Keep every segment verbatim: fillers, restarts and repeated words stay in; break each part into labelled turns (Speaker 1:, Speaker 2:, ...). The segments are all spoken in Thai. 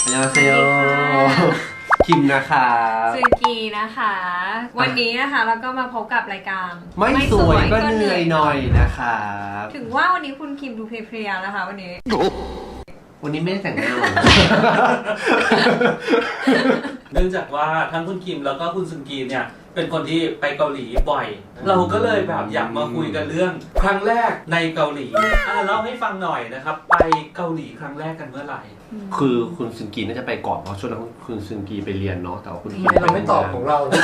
Speaker 1: อันยองเซโยคิมนะคะ
Speaker 2: ซึนกีนะคะวันนี้นะคะเราก็มาพบกับรายการ
Speaker 1: ไม่สวยก็เหนื่อยหน่อยนะคะ
Speaker 2: ถึงว่าวันนี้คุณคิมดูเพลียๆนะคะวันนี้
Speaker 1: วันนี้ไม่ได้แต่งหน้า
Speaker 3: เนื่องจากว่าทั้งคุณคิมแล้วก็คุณซึนกีเนี่ยเป็นคนที่ไปเกาหลีบ่อยเราก็เลยแบบอยากมาคุยกันเรื่องครั้งแรกในเกาหลีอ่ะเล่าให้ฟังหน่อยนะครับไปเกาหลีครั้งแรกกันเมื่อไหร่
Speaker 1: คือคุณซึนกีน่าจะไปก่อนเพราะช่วงนั้นคุณซึนกีไปเรียนเนาะแต่ว่าคุณคิม
Speaker 4: เราไม่ตอบของเราเลย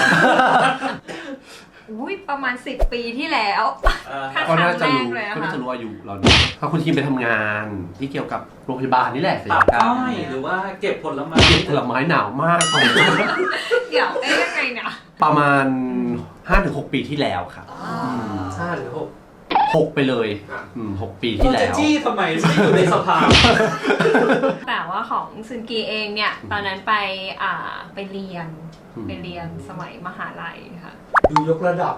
Speaker 2: อุ้ยประมาณสิบปีที่แล้ว
Speaker 1: ก็น่าจะรู้ก็น่าจะรู้อายุเราเนี่ยถ้าคุณคิมไปทำงานที่เกี่ยวกับโรงพยาบาลนี่แหละ
Speaker 3: ศัลยกรรมหรือว่าเก็บผลไม้
Speaker 1: เก็บผลไม้หนาวมาก
Speaker 2: เดี๋ยวเอ๊ะยังไงเนี่ย
Speaker 1: ประมาณ ห้าถึงหก ปีที่แล้วครับ
Speaker 4: ห้าหรือหก
Speaker 1: หกไปเลยอืมหกปีที่แล้ว
Speaker 3: จะจี้ทำไมไม่อยู่ในสภา
Speaker 2: แต่ว่าของซึนกีเองเนี่ยตอนนั้นไปอ่าไปเรียนไปเรียนสมัยมหาลัยค่ะ
Speaker 4: ดูยกระดับ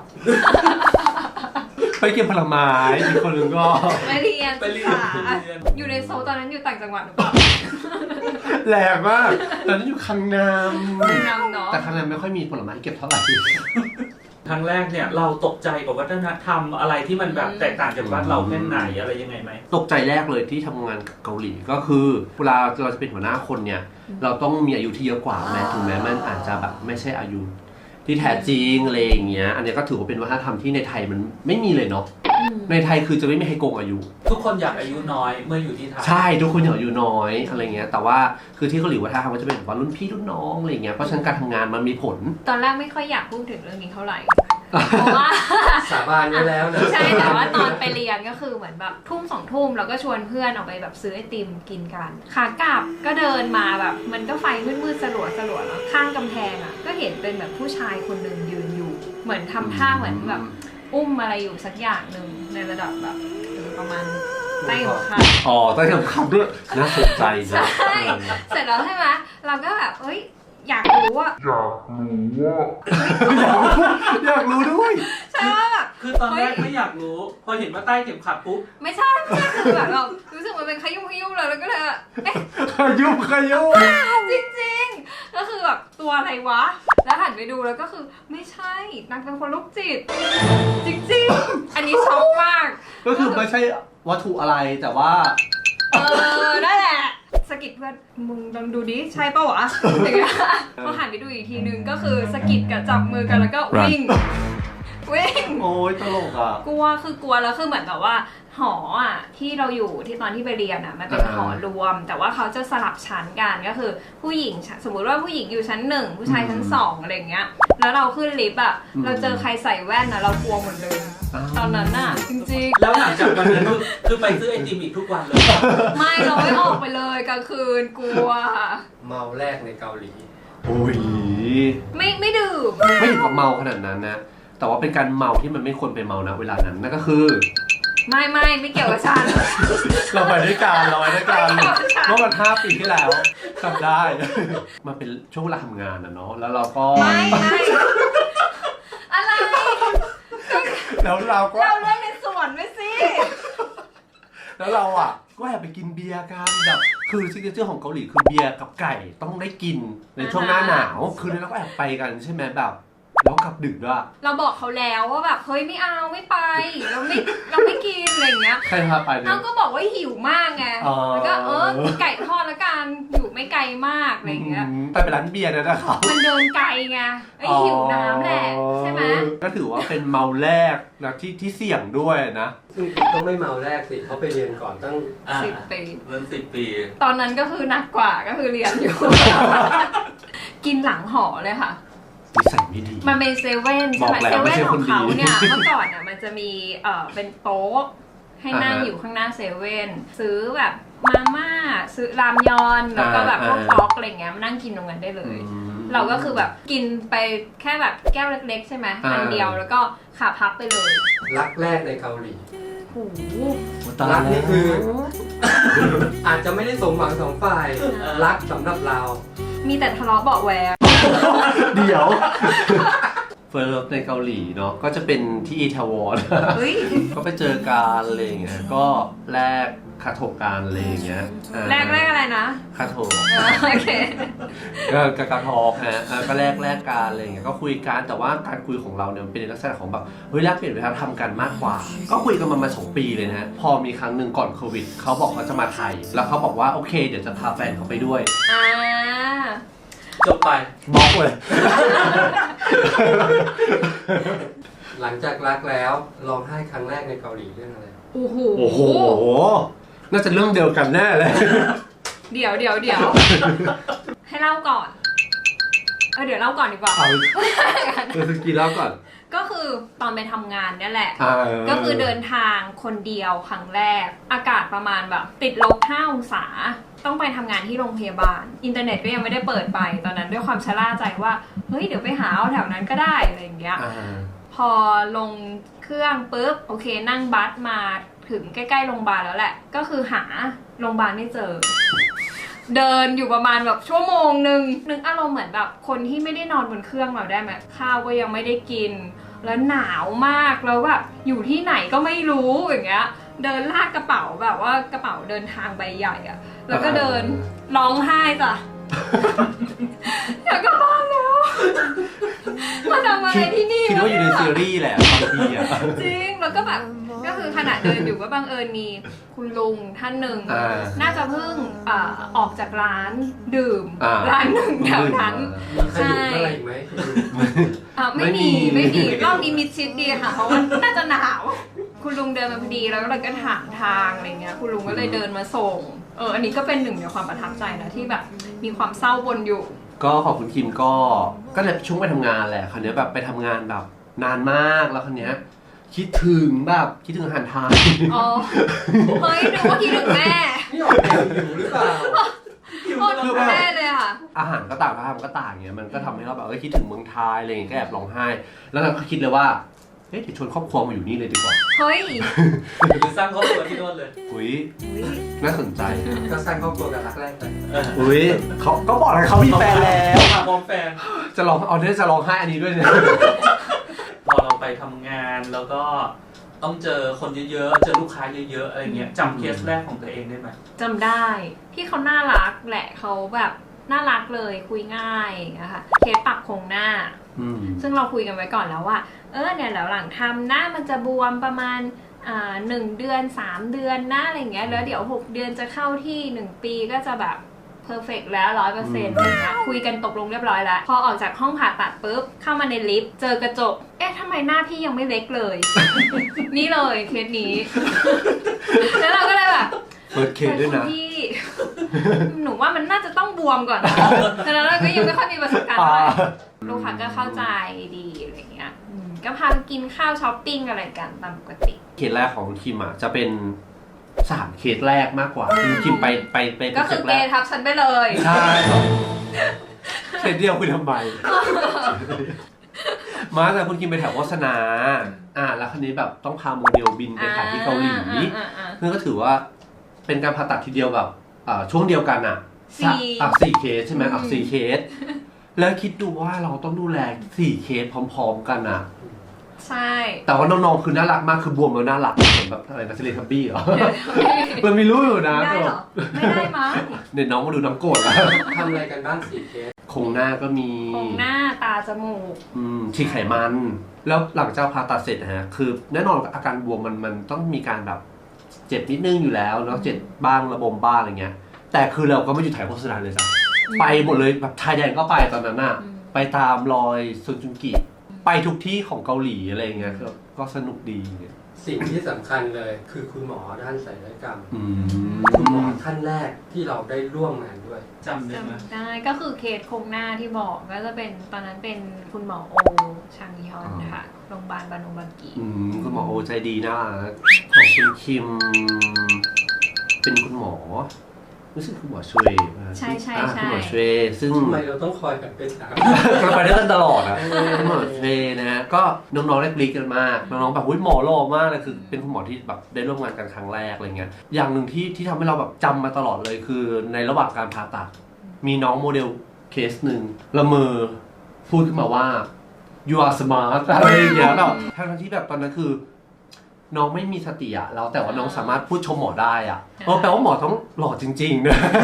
Speaker 1: ไปเก็บผลไม้อีกคนนึงก็
Speaker 2: ไปเรียนไปเรียนอยู่ในโซลตอนนั้นอยู่ต่างจังหวัดหรือเปล่า
Speaker 1: แรงมากตอนนั้นอยู่คังนาม
Speaker 2: นามเนาะ
Speaker 1: แต่คังนามไม่ค่อยมีผลไม้เก็บเท่าไหร่
Speaker 3: ครั้งแรกเนี่ยเราตกใจกับวัฒนธรรมอะไรที่มันแบบแตกต่างจากบ้านเราแค่ไหนอะไรยังไงไหม
Speaker 1: ตกใจแรกเลยที่ทำงานกับเกาหลีก็คือเวลาเราจะเป็นหัวหน้าคนเนี่ยเราต้องมีอายุที่เยอะกว่าแม้ถึงแม้มันอาจจะแบบไม่ใช่อายุที่แท้จริงอะไรอย่างเงี้ยอันนี้ก็ถือว่าเป็นวัฒนธรรมที่ในไทยมันไม่มีเลยเนาะในไทยคือจะไม่มีใครโกงอายุ
Speaker 3: ทุกคนอยากอายุน้อยเมื่ออยู่ที่ไทย
Speaker 1: ใช่ทุกคนอยากอายุน้อยอะไรเงี้ยแต่ว่าคือที่เกาหลีวัฒนธรรมก็จะเป็นแบบว่ารุ่นพี่รุ่นน้องอะไรเงี้ยเพราะฉะนั้นการทำงานมันมีผล
Speaker 2: ตอนแรกไม่ค่อยอยากพูดถึงเรื่องนี้เท่าไหร่เพราะว่า
Speaker 4: สาบานไว้แล้วนะ
Speaker 2: ใช่แต่ว่าตอนไปเรียนก็คือเหมือนแบบทุ่มสองทุ่มเราก็ชวนเพื่อนออกไปแบบซื้อไอติมกินกันขากลับก็เดินมาแบบมันก็ไฟมืดๆสลัวสลัวแล้วข้างกำแพงอ่ะก็เห็นเป็นแบบผู้ชายคนหนึ่งยืนอยู่เหมือนทำท่าเหมือนแบบอุ้มอะไรอยู่สักอย่างหนึ่งในระดับแบบประมาณใต้หัวขา
Speaker 1: อ๋อใต้หัวขาด้วยน่าสนใจ
Speaker 2: ใช่เสร็จแล้วใช่ไหมเราก็แบบเฮ้ยอยากรู้ว่า
Speaker 1: อยากรู้ว่าอยากรู้ด้วย
Speaker 2: ใช่ว่าแบบ
Speaker 3: คือตอนแรกไม่อยากรู้พอเห็นว่าใต้เข็มขัดปุ๊บ
Speaker 2: ไม่ใช่ไม่ใช่คือแบบเรารู้สึกมันเป็นขยุ่มขยุ่มเลยแล้วก็เลยเอ๊ะ
Speaker 1: ขยุ่มขยุ่ม
Speaker 2: จริงๆก็คือแบบตัวอะไรวะแล้วหันไปดูแล้วก็คือไม่ใช่นางเป็นคนลูกจิตจริงๆอันนี้ช็อกมาก
Speaker 1: ก็คือไม่ใช่วัตถุอะไรแต่ว่า
Speaker 2: เออนั่นแหละสกิดเพื่อนมึงลองดูดิใช่ป่าววะอย่างเงี้ยพอหันไปดูอีกทีนึงก็คือสกิดกับจับมือกันแล้วก็วิ่งวิ่ง
Speaker 1: โอ้ยตลกอ่ะ
Speaker 2: กลัวคือกลัวแล้วคือเหมือนแบบว่าหออ่ะที่เราอยู่ที่ตอนที่ไปเรียนอ่ะมันเป็นหอรวมแต่ว่าเขาจะสลับชั้นกันก็คือผู้หญิงสมมุติว่าผู้หญิงอยู่ชั้นหนึ่งผู้ชายชั้นสองอะไรเงี้ยแล้วเราขึ้นลิฟต์อ่ะเราเจอใครใส่แว่นนะเรากลัวหมดเลยตอนนั้นน่ะจริงๆ
Speaker 3: แล้วหลังจากวันนั้นคือไปซื้อไอติมอีกทุกวันเลย
Speaker 2: ไม่เราไม่ออกไปเลยกลางคืนกลัว
Speaker 4: เมาแรกในเกาหลี
Speaker 1: โอ้ย
Speaker 2: ไม่ไม่ดื่ม
Speaker 1: ไม่ถึงกับเมาขนาดนั้นนะแต่ว่าเป็นการเมาที่มันไม่ควรไปเมานะเวลานั้นนั่นก็คือ
Speaker 2: ไม่ไม่ไม่เกี่ยวกับฉัน
Speaker 1: เราไปด้วยกันเราไปด้วยกันเมื่อวันห้าปีที่แล้วจำได้มันเป็นช่วงเวลาทำงานนะเนาะแล้วเราก็
Speaker 2: ไม่ไม่อะไร
Speaker 1: แล้วเราก็
Speaker 2: เราเล่นในสวนไปสิ
Speaker 1: แล้วเราอ่ะก็แอบไปกินเบียร์กันแบบคือซิกเนเจอร์ของเกาหลีคือเบียร์กับไก่ต้องได้กินในช่วงหน้าหนาวคือเราก็แอบไปกันใช่ไหมแบบแล้วกลับดึกด้วย
Speaker 2: เราบอกเขาแล้วว่าแบบเฮ้ยไม่เอาไม่ไปเราไม่เราไม่กินอะไรเงี้ย
Speaker 1: ใครพาไปเนี่ย
Speaker 2: เราก็บอกว่าหิวมากไงแล้วก็เออไก่ทอดละกันอยู่ไม่ไกลมากอะไรเงี้ย
Speaker 1: ไปเป็นร้านเบียร์นะนะครับ
Speaker 2: มันเดินไกลไงไอ้หิวน้ำแหละใช่ไหม
Speaker 1: ก็ถือว่าเป็นเมาแรกนะที่ที่เสี่ยงด้วยนะ
Speaker 4: ซึ่งต้องไม่เมาแรกสิเขาไปเรียนก่อนตั้ง
Speaker 2: สิบปี
Speaker 3: เริ่มสิบปี
Speaker 2: ตอนนั้นก็คือหนักกว่าก็คือเรียนอยู่กินหลังหอเลยค่ะ
Speaker 1: นิสัยไม่ดี
Speaker 2: มันเป็นเซเว่นใช่ไหมเซเว่นของเขาเนี่ยเมื่อก่อนอ่ะมันจะมีเอ่อเป็นโต๊ะให้นั่งอยู่ข้างหน้าเซเว่นซื้อแบบมาม่าซื้อรามยอนแล้วก็แบบพวกท็อกอะไรเงี้ยมานั่งกินตรงนั้นได้เลยเราก็คือแบบกินไปแค่แบบแก้วเล็กๆใช่ไหมอันเดียวแล้วก็ขาพับไปเลย
Speaker 4: รักแรกในเกาหลี
Speaker 2: โอ้โห
Speaker 4: รักนี่คืออาจจะไม่ได้สมหวังสองฝ่ายรักสำหรับเรา
Speaker 2: มีแต่ทะเลาะเบาะแวง
Speaker 1: เดี๋ยวเฟิร์สในเกาหลีเนาะก็จะเป็นที่อีทาวอน
Speaker 2: เฮ้ย
Speaker 1: ก็ไปเจอกันอะไรอย่างเงี้ยก็แลกคาโถการอะไรอย่างเงี้ยอ่า
Speaker 2: แรกแรกอะไรนะ
Speaker 1: คาโถ
Speaker 2: เออโอเค
Speaker 1: ก็กากาทอกฮะอ่าก็แลกแลกการอะไรอย่างเงี้ยก็คุยกันแต่ว่าการคุยของเราเนี่ยมันเป็นในลักษณะของแบบเฮ้ยแลกเปลี่ยนวัฒนธรรมกันมากกว่า ก็คุยกันมามาสองปีเลยนะฮะพอมีครั้งหนึ่งก่อนโควิดเขาบอกเขาจะมาไทย แล้วเขาบอกว่าโอเคเดี๋ยวจะพาแฟนเขาไปด้วย
Speaker 2: อ่า
Speaker 3: จบไป
Speaker 1: บล็อกเลย
Speaker 4: หลังจากรักแล้วร้องไห้ครั้งแรกในเกาหลีเรื่องอะไร
Speaker 2: โอ้โห
Speaker 1: โอ้โหน่าจะเรื่องเดียวกันแน่เลย
Speaker 2: เดี๋ยวเดี๋ยวเดี๋ยว ให้เล่าก่อน เออเดี๋ยวเล่าก่อนดีกว่า
Speaker 1: เอาเออสกีเล่าก่อน
Speaker 2: ก็คือตอนไปทำงานเนี่ยแหละ
Speaker 1: อ่า
Speaker 2: ก็คือเดินทางคนเดียวครั้งแรก อากาศประมาณแบบติดลบห้าองศา ต้องไปทำงานที่โรงพยาบาล อินเทอร์เน็ตก็ยังไม่ได้เปิดไป ตอนนั้นด้วยความชะล่าใจว่า เฮ้ยเดี๋ยวไปหาเอาแถวนั้นก็ได้อะไรอย่างเงี้ย
Speaker 1: อ่า
Speaker 2: พอลงเครื่องปุ๊บโอเคนั่งบัสมาถึงใกล้ๆโรงพยาบาลแล้วแหละ ก็คือหาโรงพยาบาลไม่เจอ เดินอยู่ประมาณแบบชั่วโมงหนึ่งนึกอารมณ์เหมือนแบบคนที่ไม่ได้นอนบนเครื่องเราได้ไหมข้าวก็ยังไม่ได้กิน แล้วหนาวมากแล้วแบบอยู่ที่ไหนก็ไม่รู้อย่างเงี้ย เดินลากกระเป๋าแบบว่ากระเป๋าเดินทางใบใหญ่อะแล้วก็เดินร้องไห้จ้ะ อยากกลับบ้านแล้วมาทำอะไรที่นี่
Speaker 1: คิดว่าอยู่ในซีรีส์แหละบางทีอ่ะ
Speaker 2: จริงแล้วก็แบบก็คือขณะเดินอยู่ก็บังเอิญมีคุณลุงท่านหนึ่ง
Speaker 1: อ่า
Speaker 2: น่าจะเพิ่งอ่าออกจากร้านดื่ม
Speaker 1: อ่า
Speaker 2: ร้านหนึ่งแถวนั้น
Speaker 4: มีขยุกอะไรอีกไหม
Speaker 2: อ่ะไม่มี
Speaker 1: ไม่
Speaker 2: ไม่
Speaker 1: มี
Speaker 2: มีรอบนี้มิดชิดดีค่ะเพราะว่าน่าจะหนาว คุณลุงเดินมาพอดีแล้วก็เลยก็ถามทางอะไรเงี้ยคุณลุงก็เลยเดินมาส่งเอออันนี้ก็เป็นหนึ่งในความประทับใจนะที่แบบมีความเศร้าบนอยู่
Speaker 1: ก็ขอบคุณคิมก็ก็เลยช่วงไปทำงานแหละคราวนี้แบบไปทำงานแบบนานมากแล้วคราวนี้คิดถึงแบบคิดถึงอาหารไทย
Speaker 2: อ๋อเฮ้ยนึกว่าคิดถึงแม่
Speaker 4: นี่ออกแนวหิวหรือเปล่า
Speaker 2: โคตรถึงแม่เลยค่ะ
Speaker 1: อาหารก็ต่างวัฒนธรรมก็ต่างเงี้ยมันก็ทำให้เราแบบเอ้ยคิดถึงเมืองไทยอะไรอย่างเงี้ยก็แอบร้องไห้ แล้วเราก็คิดเลยว่าเฮ้ยเดี๋ยวชวนครอบครัวมาอยู่นี่เลยดีกว่า
Speaker 2: เฮ้ย
Speaker 3: หรือสร้างครอบครัวที่โน่นเลย
Speaker 1: อุ้ยน่าสนใจนะ
Speaker 4: ก็สร้างครอบครัวกับรักแรกไป
Speaker 3: เออ
Speaker 1: อุ้ยเขาก็บอกเลยเขามีแฟนแล้ว
Speaker 3: มาพร้อมแฟน
Speaker 1: จะร้องเอาเนี่ยจะร้องไห้อันนี้ด้วยเนี่ย
Speaker 3: พอเราไปทำงานแล้วก็ต้องเจอคนเยอะๆ เจอลูกค้าเยอะๆ อะไรเงี้ยจำเคสแรกของตัวเองได้ไหม
Speaker 2: จำได้พี่เขาน่ารักแหละเขาแบบน่ารักเลยคุยง่ายอย่างเงี้ยค่ะเคสปรับโครงหน้า
Speaker 1: อืม
Speaker 2: ซึ่งเราคุยกันไว้ก่อนแล้วว่าเออเนี่ยแล้วหลังทำหน้ามันจะบวมประมาณอ่าหนึ่งเดือนสามเดือนนะอะไรเงี้ยแล้วเดี๋ยวหกเดือนจะเข้าที่หนึ่งปีก็จะแบบเพอร์เฟกแล้วร้อยเปอร์เซ็นต์อะไรเงี้ยคุยกันตกลงเรียบร้อยแล้ว พอออกจากห้องผ่าตัดปุ๊บเข้ามาในลิฟต์เจอกระจกเอ๊ะทำไมหน้าพี่ยังไม่เล็กเลย นี่เลยเคสนี้ แล้วเราก็เลยแบบ
Speaker 1: เปิดเคสด้วยนะ
Speaker 2: พี่ หนูว่ามันน่าจะต้องบวมก่อนนะแต่แล้วเราก็ยังไม่ค่อยมีประสบการณ์เท่าไหร่ลูกค้าก็เข้าใจดีอะไรเงี้ยอืมก็พาไปกินข้าวช้อปปิ้งอะไรกันตามปกติ
Speaker 1: เคสแรกของคิมอ่ะจะเป็นสามเคสแรกมากกว่าคือคิมไปไปไป
Speaker 2: ก็คือ
Speaker 1: เคส
Speaker 2: เก
Speaker 1: แรก
Speaker 2: ย์ทับฉันไปเลย
Speaker 1: ใช่เคสเดียวคุยทำไม มาแต่คุณคิมไปแถวโฆษณาอ่าแล้วคราวนี้แบบต้องพาโมเดลบินไปถ่ายที่เกาหลี
Speaker 2: อ่าอ่าอ่า
Speaker 1: นั่นก็ถือว่าเป็นการผ่าตัดทีเดียวแบบอ่าช่วงเดียวกันอ่ะ
Speaker 2: สี่
Speaker 1: อ่ะสี่เคสใช่ไหมอ่ะ
Speaker 2: อืม
Speaker 1: สี่เคส แล้วคิดดูว่าเราต้องดูแลสี่เคสพร้อมๆกันอ่ะ
Speaker 2: ใช่
Speaker 1: แต่ว่าน้องๆคือน่ารักมากคือบวมแล้วน่ารักเหมือนแบบอะไรนะเซเลทับบี้เหรอ มันมีรู้อยู่นะ
Speaker 2: ไม่ได้
Speaker 1: แต่
Speaker 2: เห
Speaker 1: แบ
Speaker 2: รอบ ไม่ได้มั้ง
Speaker 1: เนี่ยน้องมาดูน้ำโกรธแล้ว
Speaker 4: ทำอะไรกันบ้างสี่เคส
Speaker 1: โครงหน้าก็มี
Speaker 2: โครงหน้าตาจมูก
Speaker 1: อืมฉีดไขมัน แล้วหลังจากผ่าตัดเสร็จนะฮะ คือแน่นอนอาการบวมมันมันต้องมีการแบบเจ็บนิดนึงอยู่แล้วเนาะเจ็บบ้างระบมบ้างอะไรเงี้ย แต่คือเราก็ไม่หยุดถ่ายโฆษณาเลยจ้ะไปหมดเลยแบบไทยแดนก็ไปตอนนั้นอะไปตามรอยซุนจุงกิ ไปทุกที่ของเกาหลีอะไรเงี้ยก็ก็สนุกดี
Speaker 4: สิ่งที่สำคัญเลยคือคุณหมอด้านศัลยกรรม
Speaker 1: อืม
Speaker 4: คุณหมอท่านแรกที่เราได้ร่วมงานด้วย
Speaker 3: จำได้ไหม
Speaker 2: จำได้ก็คือเคสโครงหน้าที่บอกก็จะเป็นตอนนั้นเป็นคุณหมอโอชางยอนค่ะโรงพยาบาลบานุบังกี
Speaker 1: อืมคุณหมอโอใจดีนะของคุณคิม เป็นคุณหมอรู้สึกคุณหมอช่วย
Speaker 2: ใช่ใช่
Speaker 1: อ่า
Speaker 2: ใช่
Speaker 1: คุณหมอช่วยซึ่ง
Speaker 4: ทำไมเราต้องคอยแบบไปถาม
Speaker 1: เราไปด้วยกันตลอดอะคุณหมอเทนะฮะก็น้องๆได้กรี๊ดกันมากน้องๆแบบหุ้ยหมอหล่อมากเลยคือเป็นคุณหมอที่แบบได้ร่วมงานกันครั้งแรกอะไรเงี้ยอย่างหนึ่งที่ที่ทำให้เราแบบจำมาตลอดเลยคือในระหว่างการผ่าตัดมีน้องโมเดลเคสหนึ่งละเมอพูดขึ้นมาว่า you are smart อะไรอย่างเงี้ยแบบทั้งที่แบบตอนนั้นคือ น้องไม่มีสติอะแล้วแต่ว่าน้องสามารถพูดชมหมอได้อะเออแปลว่าหมอต้องหล่อจริงๆนะ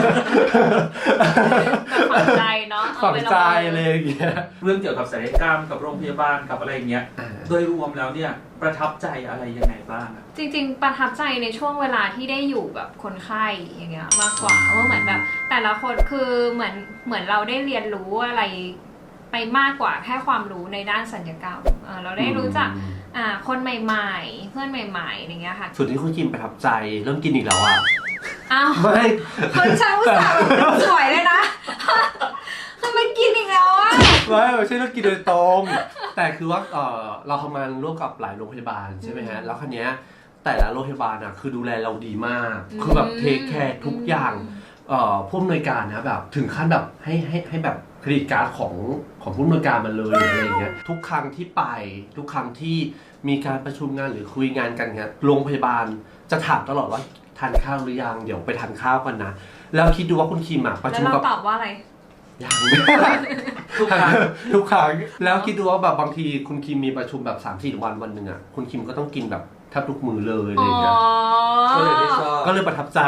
Speaker 2: แบบฝังใจเนาะ
Speaker 1: ฝังใจอะไรอย่างเงี้ย
Speaker 3: เรื่องเกี่ยวกับศัลยกรรมกับโรงพยาบาลกับอะไรอย่างเงี้ย
Speaker 1: อ่า
Speaker 3: โดยรวมแล้วเนี่ยประทับใจอะไรยังไงบ้างอะ
Speaker 2: จริงๆ ประทับใจในช่วงเวลาที่ได้อยู่กับคนไข้อย่างเงี้ยมากกว่าว่าเหมือนแบบแต่ละคนคือเหมือนเหมือนเราได้เรียนรู้อะไรไปมากกว่าแค่ความรู้ในด้านศัลยกรรมเออเราได้รู้จักอ่าคนใหม่ๆ เพื่อนใหม่ๆอย่างเงี้ยค่ะ
Speaker 1: ส่วนที่คุณกินประทับใจเริ่มกินอีกแล้วอ่ะ
Speaker 2: อ้าว
Speaker 1: ไม่
Speaker 2: คนช่างอุตส่าห์แบบสวยเลยนะทำไมกินอีกแล้วอ่ะ
Speaker 1: ไม่ไม่ใช่เรื่องกินโดยตรง แต่คือว่าเออเราทำงานร่วมกับหลายโรงพยาบาลใช่ไหมฮะแล้วคันนี้ยแต่ละโรงพยาบาลอ่ะคือดูแลเราดีมาก คือแบบเทคแคร์ทุกอย่างเอ่อผู้อำนวยการนะแบบถึงขั้นแบบให้ให้ให้แบบเครดิตการ์ดของของผู้อำนวยการมันเลยอะไรอย่างเงี้ยทุกครั้งที่ไปทุกครั้งที่มีการประชุมงานหรือคุยงานกันเงี้ยโรงพยาบาลจะถามตลอดว่าทานข้าวหรือยังเดี๋ยวไปทานข้าวกันนะแล้วคิดดูว่าคุณคิมอ่ะประ
Speaker 2: แล้ว
Speaker 1: ชุม
Speaker 2: เรา
Speaker 1: กับ
Speaker 2: ตอบว่าอะไร
Speaker 1: ยัง
Speaker 3: ทุกครั้ง
Speaker 1: ทุกครั้งแล้วคิดดูว่าแบบบางทีคุณคิมมีประชุมแบบสามสี่วันวันหนึ่งอ่ะคุณคิมก็ต้องกินแบบแทบทุกมื้อเลยอะไร
Speaker 2: อ๋อ
Speaker 1: อย่างเงี้ย
Speaker 4: ก็เลยไม่ชอบ
Speaker 1: ก็เลยประทับใจ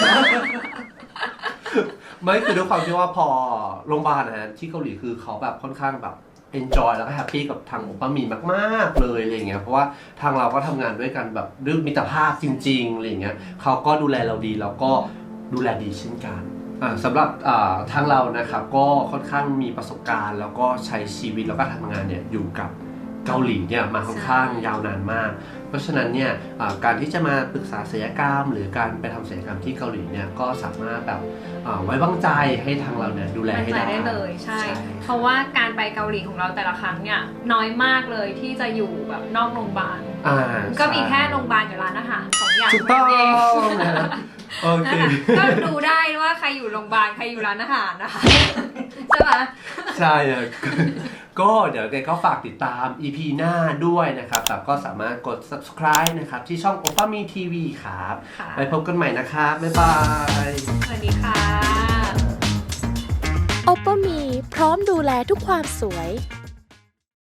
Speaker 1: ไม่คือด้วยความที่ว่าพอโรงพยาบาลนะฮะที่เกาหลีคือเขาแบบค่อนข้างแบบ enjoy แล้วก็แฮปปี้กับทางโอปามีมากๆเลยอะไรอย่างเงี้ยเพราะว่าทางเราก็ทำงานด้วยกันแบบด้วยมิตรภาพจริงๆอะไรอย่างเงี้ยเขาก็ดูแลเราดีแล้วก็ดูแลดีเช่นกันอ่าสำหรับอ่าทางเรานะครับก็ค่อนข้างมีประสบการณ์แล้วก็ใช้ชีวิตแล้วก็ทำงานเนี่ยอยู่กับเกาหลีเนี่ยมาค่อนข้างยาวนานมาก เพราะฉะนั้นเนี่ยอ่าการที่จะมาปรึกษาศัลยกรรม หรือการไปทำศัลยกรรมที่เกาหลีเนี่ยก็สามารถแบบอ่าไว้วางใจให้ทางเราเนี่ยดูแล
Speaker 2: มั่น
Speaker 1: ให้
Speaker 2: ใจ
Speaker 1: ได้
Speaker 2: ได้เลยใช่ เพราะว่าการไปเกาหลีของเราแต่ละครั้งเนี่ยน้อยมากเลยที่จะอยู่แบบนอกโรงพยาบาล
Speaker 1: อ่า
Speaker 2: ก็มีแค่โรงพยาบาลกับร้านอาหารสองอย่าง
Speaker 1: ถูกต้อง
Speaker 2: เอง
Speaker 1: นะฮะโอเค
Speaker 2: ก็ดูได้ว่าใครอยู่โรงพยาบาลใครอยู่ร้านอาหารนะคะ ใช่ไหม
Speaker 1: ใช่อะ ก็เดี๋ยวแกก็ฝากติดตาม อี พี หน้าด้วยนะครับแต่ก็สามารถกด subscribe นะครับที่ช่อง โอปามี ที วี ครับ
Speaker 2: ค่ะ
Speaker 1: ไปพบกันใหม่นะครับ บ๊ายบาย
Speaker 2: สวัสดีค่ะ
Speaker 5: โอปป้ามีพร้อมดูแลทุกความสวย